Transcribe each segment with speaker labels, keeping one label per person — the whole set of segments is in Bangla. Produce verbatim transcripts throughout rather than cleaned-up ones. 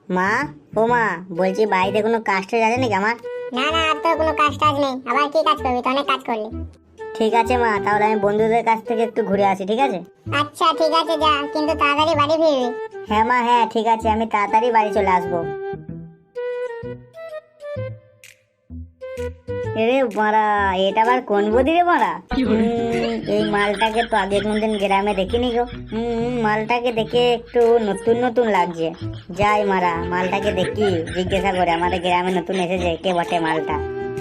Speaker 1: মা, ও মা, বলছি বাড়িতে কোনো কাজ টাজ আছে নাকি আমার?
Speaker 2: না না, আর তোর কোনো কাজ টাজ নেই। আবার কি কাজ করবি? তো অনেক কাজ করলি।
Speaker 1: ঠিক আছে মা, তাহলে আমি বন্ধুদের কাছ থেকে একটু ঘুরে আসি, ঠিক আছে?
Speaker 2: আচ্ছা ঠিক আছে, যা, কিন্তু তাড়াতাড়ি বাড়ি ফিরবি।
Speaker 1: হ্যাঁ মা, হ্যাঁ ঠিক আছে, আমি তাড়াতাড়ি বাড়ি চলে আসবো। এরে মারা, এটা আবার কোন বদি রে মারা? উম, এই মালটাকে তো আগে কোনদিন গ্রামে দেখিনি গো। হম মালটাকে দেখে একটু নতুন নতুন লাগছে। যাই মারা, মালটাকে দেখি, জিজ্ঞাসা করে আমাদের গ্রামে নতুন এসেছে, কে বটে মালটা।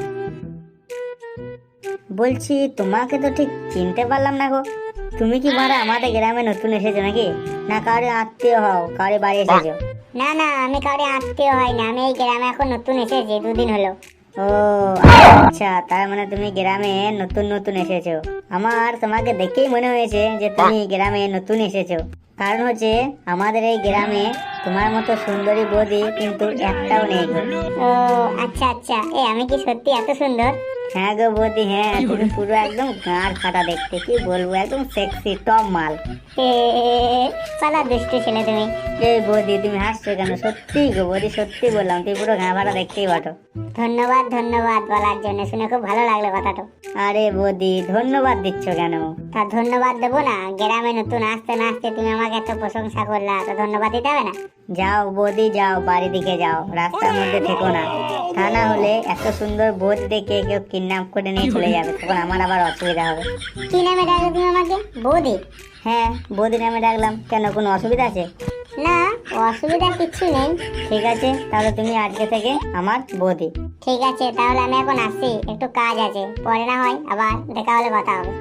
Speaker 1: বলছি তোমাকে তো ঠিক চিনতে পারলাম না গো। তুমি কি মারা আমাদের গ্রামে নতুন এসেছো নাকি, না কারো আত্মীয় হও, কারো বাড়ি এসেছো?
Speaker 2: না না, আমি কাউরে আত্মীয় হয় না, আমি এই গ্রামে এখন নতুন এসেছি, দুদিন হলো।
Speaker 1: ও আচ্ছা, তার মানে তুমি গ্রামে নতুন নতুন এসেছো। আমার তোমাকে দেখেই মনে হয়েছে যে তুমি গ্রামে নতুন এসেছো। কারণ হচ্ছে আমাদের এই গ্রামে তোমার মতো সুন্দরী বৌদি কিন্তু একটাও নেই গো।
Speaker 2: ও আচ্ছা আচ্ছা, এ আমি কি সত্যি এত সুন্দর?
Speaker 1: হ্যাঁ গো বৌদি, হ্যাঁ তুমি পুরো একদম গাঁড় ফাটা দেখতে, কি বলবো, একদম সেক্সি টপ মাল।
Speaker 2: এ পালা দুষ্টু ছেলে তুমি।
Speaker 1: এই বৌদি তুমি হাসছো কেন? সত্যি গো বৌদি, সত্যি বললাম, তুই পুরো গাঁ ফাটা দেখতেই বটো।
Speaker 2: ধন্যবাদ ধন্যবাদ বলার জন্য, শুনে খুব ভালো লাগলো কথাটা।
Speaker 1: আরে বৌদি ধন্যবাদ দিচ্ছ কেন?
Speaker 2: তা ধন্যবাদ দেবো না? গ্রামে নতুন আসতে না আসতে তুমি আমাকে এত প্রশংসা করলা, তো ধন্যবাদ দিতে হবে না?
Speaker 1: যাও বৌদি যাও, বাড়ি দিকে যাও, রাস্তার মধ্যে থেকো না। তা না হলে এত সুন্দর বৌদি দেখে কেউ কিডন্যাপ করে নিয়ে চলে যাবে, তখন আমার আবার অসুবিধা হবে।
Speaker 2: কি নামে ডাকলে তুমি আমাকে? বৌদি?
Speaker 1: হ্যাঁ বৌদি নামে ডাকলাম, কেন কোনো অসুবিধা আছে?
Speaker 2: না, অসুবিধা কিছু নেই।
Speaker 1: ঠিক আছে, তাহলে তুমি আজকে থেকে আমার বৌদি।
Speaker 2: ঠিক আছে, তাহলে আমি এখন আসছি, একটু কাজ আছে, পরে না হয় আবার দেখা হলে কথা হবে।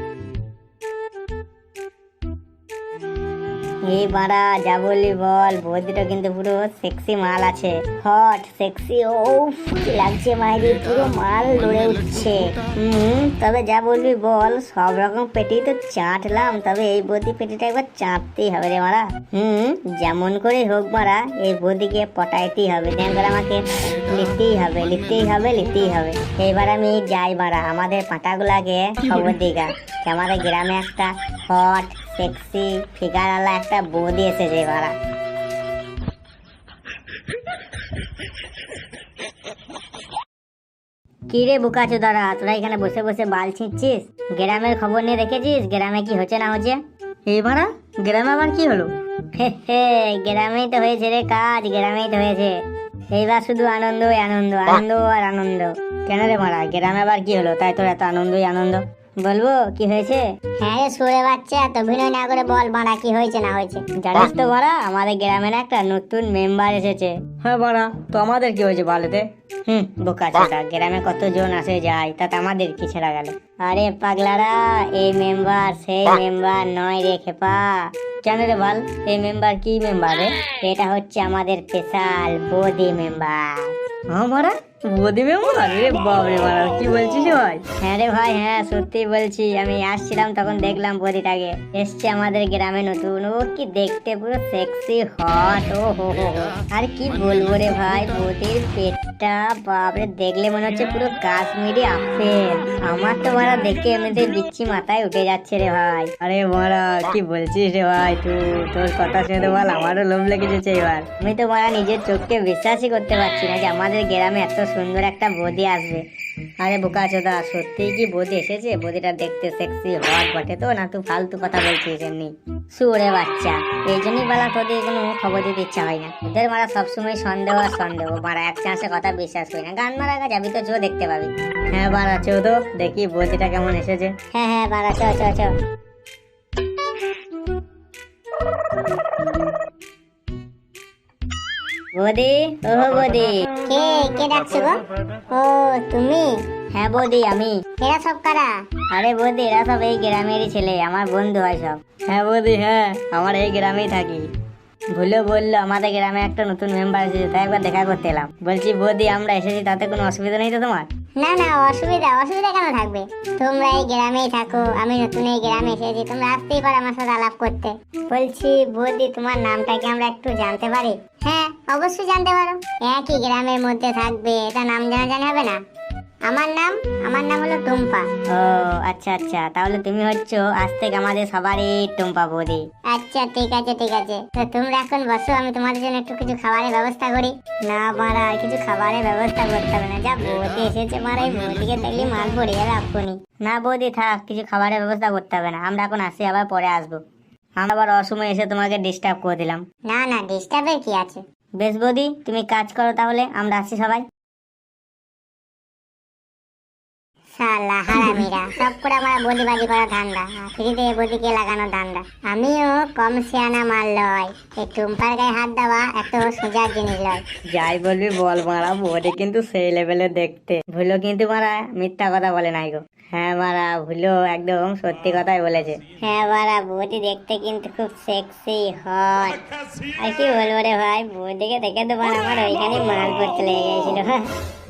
Speaker 1: এই বাড়া, যা বললি বল, বৌদিটা কিন্তু পুরো সেক্সি মাল আছে, হট সেক্সি। ও কি লাগছে মাইরি, পুরো মাল লড়ে উঠছে। হুম তবে যা বলবি বল, সব রকম পেটি তো চাটলাম, তবে এই বৌদি পেটিটা একবার চাটতেই হবে রে মারা। হুম যেমন করে হোক মারা, এই বৌদিকে পটাইতেই হবে, দেন করে আমাকে লিখতেই হবে লিখতেই হবে লিখতেই হবে। এইবার আমি যাই মারা, আমাদের পাটাগুলাকে খবর দিগা যে আমাদের গ্রামে একটা হট সেক্সি ফিগার আলা একটা বৌদি এসেছে মারা। কি রে বোকাচোদারা, তোরা এখানে বসে বসে বাল ছিঁচ্ছিস? গ্রামের খবর নিয়ে রেখেছিস গ্রামে কি হচ্ছে না হচ্ছে? এই মারা, গ্রামে আবার কি হলো? হে হে, গ্রামেই তো হয়েছে রে কাজ, গ্রামেই তো হয়েছে। এইবার শুধু আনন্দই আনন্দ, আনন্দ আর আনন্দ। কেন রে মারা, গ্রামে আবার কি হলো তাই তোর এত আনন্দই আনন্দ? বলবো কি হয়েছে?
Speaker 2: হ্যাঁ রে সুরে বাচ্চা, তো অভিনয় না করে বল বাড়া, কি হয়েছে না হয়েছে?
Speaker 1: জানিস তো বাড়া, আমাদের গ্রামে না একটা নতুন মেম্বার এসেছে। হ্যাঁ বাড়া, তো আমাদের কি হয়েছে বলতে? হুম বোকাচোদা, গ্রামে কতজন আসে যায়, তাতে আমাদের কি ছেড়া গেল? আরে পাগলারা, এই মেম্বার সেই মেম্বার নয় রে খেপা। কেন রে বল, এই মেম্বার কি মেম্বার রে? এটা হচ্ছে আমাদের স্পেশাল বৌদি মেম্বার। আমারা বৌদি মেম্বার? রে বাবরে মারা, কি বলছিস ভাই? হ্যাঁ রে ভাই, হ্যাঁ সত্যি বলছি, আমি আসছিলাম তখন দেখলাম বৌদিটাকে, এসছে আমাদের গ্রামে নতুন। ও কি দেখতে পুরো সেক্সি হট, ও হো হো হো। আর কি বলবো রে ভাই, বৌদির পেটটা বাপরে, দেখলে মনে হচ্ছে পুরো কাশ্মীরি আপেল। আমার তো মারা দেখে এমনিতে বিচ্ছি মাথায় উঠে যাচ্ছে রে ভাই। আরে মারা কি বলছিস রে ভাই, তুই তোর কথা শুনে তো বল আমারও লোভ লেগেছে এবার। আমি তো মারা নিজের চোখকে বিশ্বাসই করতে পারছি না যে আমাদের গ্রামে এত সুন্দর একটা বৌদি আসবে। আরে বোকাচোদা, সত্যি কি বৌদি এসেছে? বৌদিটা দেখতে সেক্সি হট বটে তো, না তুই ফালতু কথা বলছিস এমনি? সুরে বাচ্চা, এই জন্যই বলা তোদের কোনো খবর দিতে ইচ্ছা হয় না। ওদের মারা সবসময় সন্দেহ আর সন্দেহ, মারা এক চান্সে কথা বিশ্বাস করি না। গান মারা যাবি তো চো, দেখতে পাবি। হ্যাঁ বাড়া চো তো, দেখি বৌদিটা কেমন এসেছে।
Speaker 2: হ্যাঁ হ্যাঁ বাড়া, চ চ চ।
Speaker 1: বৌদি, ও বৌদি।
Speaker 2: কে কে ডাকছো গো? ও তুমি?
Speaker 1: হ্যাঁ বৌদি আমি।
Speaker 2: এরা সব কারা?
Speaker 1: আরে বৌদি, এরা সব এই গ্রামেরই ছেলে, আমার বন্ধু হয় সব। হ্যাঁ বৌদি, হ্যাঁ আমার এই গ্রামেই থাকি। ভুলে বললো আমাদের গ্রামে একটা নতুন মেম্বার এসেছে, তাই একবার দেখা করতে এলাম। বলছি বৌদি, আমরা এসেছি, তাতে কোনো অসুবিধা নেই তো তোমার?
Speaker 2: না না, অসুবিধা অসুবিধা কেন থাকবে? তোমরা এই গ্রামেই থাকো, আমি নতুন এই গ্রামে এসেছি, তোমরা আসতেই পারো আমার সাথে আলাপ করতে। বলছি বৌদি, তোমার নামটা কি আমরা একটু জানতে পারি? হ্যাঁ অবশ্যই জানতে পারো, একই গ্রামের মধ্যে থাকবে, এটা নাম জানা জানা হবে না? আমার নাম আমার নাম হলো টুম্পা।
Speaker 1: ও আচ্ছা আচ্ছা, তাহলে তুমি হচ্ছ আজ থেকে আমাদের সবারই টুম্পা বৌদি।
Speaker 2: আচ্ছা ঠিক আছে ঠিক আছে, তো তোমরা এখন বসো, আমি তোমাদের জন্য একটু কিছু খাবারের ব্যবস্থা করি।
Speaker 1: না মারা, কিছু খাবারের ব্যবস্থা করতে হবে না, যা বৌদি এসেছে মারা, এই বৌদিকে দেখলে মাল পড়ে যাবে এক্ষুনি। না বৌদি থাক, কিছু খাবারের ব্যবস্থা করতে হবে না, আমরা এখন আসি, আবার পরে আসবো। আমরা আবার অসময় এসে তোমাকে ডিস্টার্ব করে দিলাম।
Speaker 2: না না, ডিস্টার্বের কি আছে।
Speaker 1: বেশ বৌদি, তুমি কাজ করো তাহলে, আমরা আসি সবাই।
Speaker 2: শালা হারামিরা, সব করে আমার বদিবাজি করা ধান্দা, ফ্রিতে বদিকে লাগানো ধান্দা। আমিও কম সিয়ানা মাল লয়, এই টুম্পার গায়ে হাত দেওয়া এত সোজার জিনিস লয়।
Speaker 1: যাই বলবি বল মারা, বৌদি কিন্তু সেই লেভেলে দেখতে, ভুলো কিন্তু মারা মিথ্যা কথা বলে নাই গো। হ্যাঁ মারা, ভুলো একদম সত্যি কথাই বলেছে।
Speaker 2: হ্যাঁ বারা, বৌদি দেখতে কিন্তু খুব সেক্সি হট।
Speaker 1: আর কি বলবো রে ভাই, বৌদিকে দেখে তো মারা আমার ওইখানে মাল পড়তে লেগে গেছিল।